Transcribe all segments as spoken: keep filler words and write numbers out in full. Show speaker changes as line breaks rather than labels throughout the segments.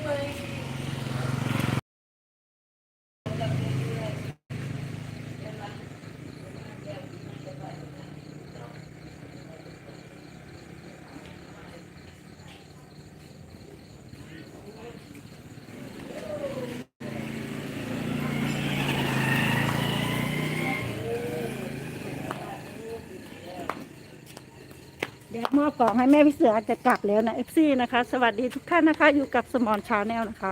เดี๋ยวมอบกล่องให้แม่พี่เสือจะกลับแล้วนะเอฟซีนะคะสวัสดีทุกท่านนะคะอยู่กับสมอนชาแนลนะคะ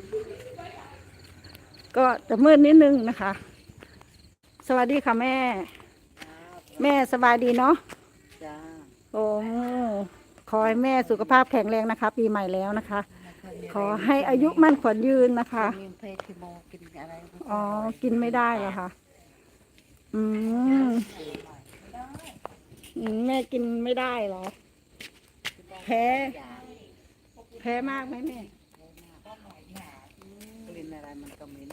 ก็จะมืดนิดนึงนะคะสวัสดีค่ะแม่แม่สบายดีเนาะ
จ้า
โอ้ขอให้แม่สุขภาพแข็งแรงนะคะปีใหม่แล้วนะคะขอให้อายุมั่นขวัญยืนนะคะ
มีเพลทิโมกินอะไร
อ๋อกินไม่ได้เหรอคะอืมอืมแม่กินไม่ได้เหรอแพ้แพ้มากไหมแม่
กลิ่นอะไรมันก็เหม็น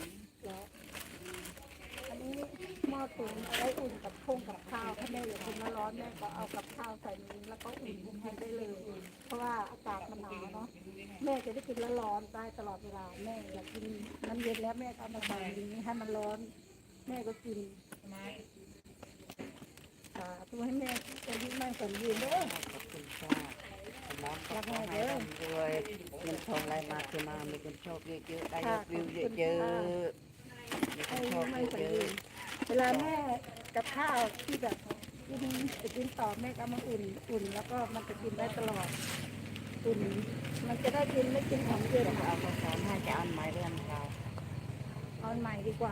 อันนี้หม้อตุ๋นไว้อุ่นกับพงกับข้าวถ้าแม่อยากกินร้อนๆแม่ก็เอากับข้าวใส่นี้แล้วก็อุ่นกินได้เลยเพราะว่าอากาศมันหนาวเนาะแม่จะได้กินร้อนๆได้ตลอดเวลาแม่อยากกินน้ำเย็นแล้วแม่ก็เอามาใส่นี้ให้มันร้อนแม่ก็กินอ่าตัวให้แม่จะยิ้มไม่สมยืนเด้อ
ขอบคุณค่ะน้องก็ขอให้ร่ำรวยเงินทองไหลมาเทมามีคนชอบเยอะๆได้ยอดวิวเยอะๆมีคนชอบเยอะ
เวลาแม่กับข้าวที่แบบกินจะกินต่อแม่ก็มาอุ่นอุ่นแล้วก็มันจะกินได้ตลอดอุ่นมันจะได้กินไม่กินของเย็น
ๆเอาข้าวสารให้จะเอาไม้เรื่องเรา
เอาใหม่ดีกว่า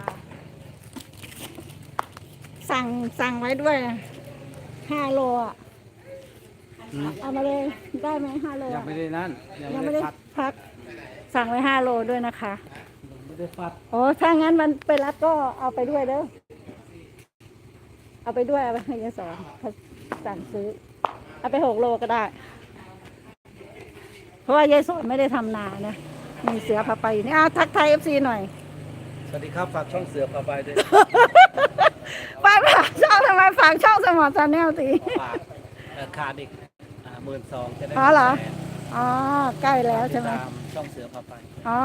สั่งสั่งไว้ด้วยห้าโลอ่ะเอามาเลยได้ไหมห้าโล
ยังไม่ได้นั่น
ยังไม่ได้พักสั่งไว้ห้าโลด้วยนะคะ
ไม่ได้ฟัด
โอ้ถ้างั้นมันไปรับก็เอาไปด้วยเด้อเอาไปด้วยเอาไปให้ยายสอนเขาสั่งซื้อเอาไปหกโลก็ได้เพราะว่ายายสอนไม่ได้ทำนานะมีเสือพาไปนี่อ้าวทักไทยเอฟซีหน่อย
สวัสดีครับฝากช่องเสือพาไปด้วย
ไปฝากช่องทำไมฝากช่องสมอชาแนลสิ
ฝากขาดอีกหมื่นสองจะได้
อ๋อเหรออ๋อใกล้แล้วใช่ไหม
ตามช่องเสือพาไป
อ๋อ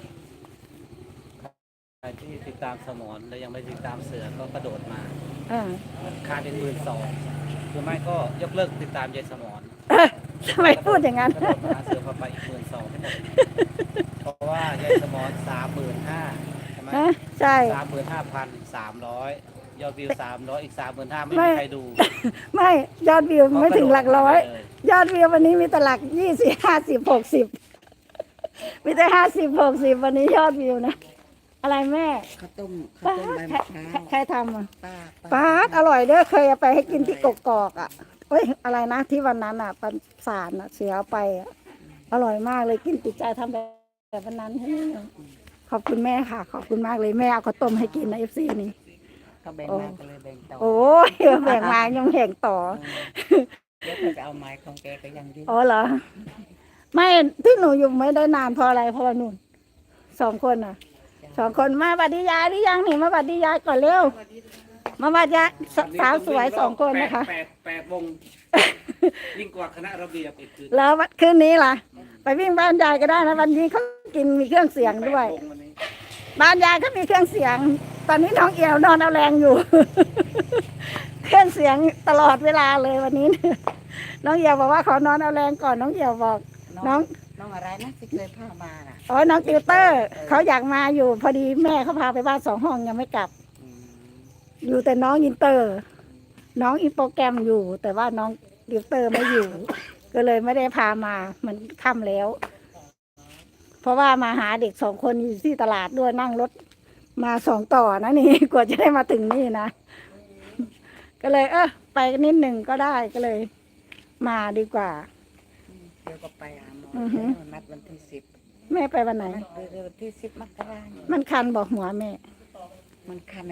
ใครที่ติดตามสมอนและยังไม่ติดตามเสือก็กระโดดมาขาดอีกหมื่นสองหรือไม่ก็ยกเลิกติดตามยายสมอน
ทำไมพูดอย่างนั้น
กระโดดมาเสือพาไปอีกหมื่นสองเพราะว่ายายสมอนสามหมื่นห้าใช่ไหม
ใช่
สามหมื่นห้าพันสามร้อยยอดวิวสามร้อยอีกสามหมื่นห้าไม่มีใครดู
ไม่ยอดวิวไม่ถึงหลักร้อยยอดวิววันนี้มีแต่หลักยี่สิบห้าสิบหกสิบมีแต่ห้าสิบหกสิบวันนี้ยอดวิวนะอะไรแม่
ข้าวต้มข้าวต้มใบมะพร้าว
ใครทำอ่ะ
ป้า
ป้าอร่อยเด้อเคยเอาไปให้กินที่กกอกอ่ะเอ้ยอะไรนะที่วันนั้นอ่ะปันสารอ่ะเสียไปอ่ะอร่อยมากเลยกินติดใจทำแบบวันนั้นขอบคุณแม่ค่ะขอบคุณมากเลยแม่เอาข้าวต้มให้กินนะเอฟซีนี่
ก็แบ่งมาก็เลยแบ่งต่อ
โอ้ยแบ่งมายังแบ่งต่อ
เดี๋ยวจะเอาไม้ของแกไปยังยืน
อ๋อเหรอไม่ที่หนูอยู่ไม่ได้นานเพราะอะไรเพราะว่านุ่นสองคนอ่ะสองคนมาบัดดียายหรือยังนี่มาบัดดียายก่อนเร็วมาบัดยายสาวสวยสองคนนะคะ
แปดแปดวงยิ่งกว่าคณะระเบียบอีกคือ
แล้ววันคืนนี้ล่ะไปวิ่งบ้านยายก็ได้นะวันนี้เขากินมีเครื่องเสียงด้วยบ้านยายเขามีเครื่องเสียงตอนนี้น้องเอี่ยวนอนเอาแรงอยู่เครื่องเสียงตลอดเวลาเลยวันนี้น้องเอี่ยวบอกว่าขอนอนเอาแรงก่อนน้องเอี่ยวบอกน้อง
น้องอะไรนะที่เคยพามาน่ะ
อ๋อน้องติวเตอร์เขาอยากมาอยู่พอดีแม่เขาพาไปบ้านสองห้องยังไม่กลับอยู่แต่น้องอินเตอร์น้องอินโปรแกรมอยู่แต่ว่าน้องติวเตอร์ไม่อยู่ก็เลยไม่ได้พามามันค่ำแล้วเพราะว่ามาหาเด็กสองคนอยู่ที่ตลาดด้วยนั่งรถมาสองต่อนะนี่กว่าจะได้มาถึงนี่นะก็เลยเออไปนิดหนึ่งก็ได้ก็เลยมาดีกว่า
เดี๋ยวก็ไปหาหมอนัดวันที่สิบ
แม่ไปวันไหน
วันที่สิบมกราคม
มันคันบอกหัวแม่
มันคัน